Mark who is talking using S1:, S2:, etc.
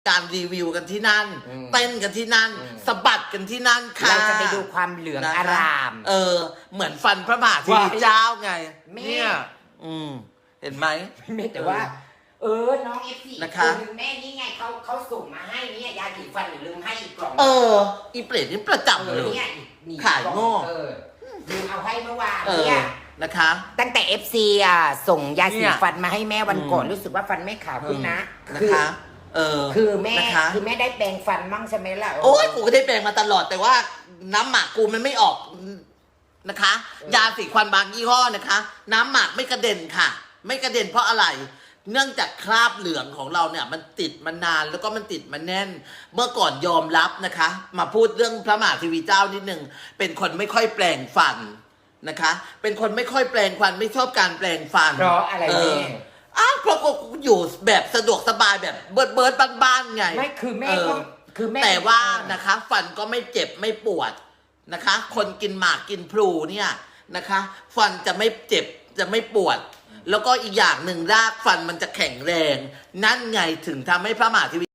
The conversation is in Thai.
S1: การรีวิวกันที่นั่นเต้นกันที่นั่นสะบัดกันที่นั่นค่ะ
S2: เราจะไปดูความเหลืองอาราม
S1: เหมือนฟันพระมหาเทวีเจ้าไง
S2: เนี่ย
S1: เห็นไหม
S2: แต่ว่าน้องF4
S1: นะคะ
S2: แม่นี่ไงเขาส่งมาให้เนี่ยยาสีฟันหรือลืมให้อีกกล่อง
S1: อีเปรตนี่ประจำเลยขายโง่
S2: ลืมเอาให้เมื่อวานเนี่ย
S1: นะคะ
S2: ตั้งแต่ FC ส่งยาสีฟันมาให้แม่วันก่อนรู้สึกว่าฟันแม่ขาวขึ้นนะ
S1: นะคะ
S2: คือแม่ได้แปรงฟันมั่งใช่ไหมล่ะ
S1: โอ้ยกูก็ได้แปรงมาตลอดแต่ว่าน้ำหมักกูมันไม่ออกนะคะยาสีฟันบางยี่ห้อนะคะน้ำหมักไม่กระเด็นค่ะไม่กระเด็นเพราะอะไรเนื่องจากคราบเหลืองของเราเนี่ยมันติดมานานแล้วก็มันติดมาแน่นเมื่อก่อนยอมรับนะคะมาพูดเรื่องพระมหาเทวีเจ้านิดนึงเป็นคนไม่ค่อยแปลงฟันนะคะเป็นคนไม่ค่อยแปลงฟันไม่ชอบการแปลงฟัน
S2: เพราะอะไรแม่
S1: เพราะกูอยู่แบบสะดวกสบายแบบเบิร์ดบ้านๆไง
S2: ไม่คือแม่ก็คือแม่
S1: แต่ว่านะคะฟันก็ไม่เจ็บไม่ปวดนะคะคนกินหมากกินพลูเนี่ยนะคะฟันจะไม่เจ็บจะไม่ปวดแล้วก็อีกอย่างหนึ่งรากฟันมันจะแข็งแรงนั่นไงถึงทำให้พระมหาเทวี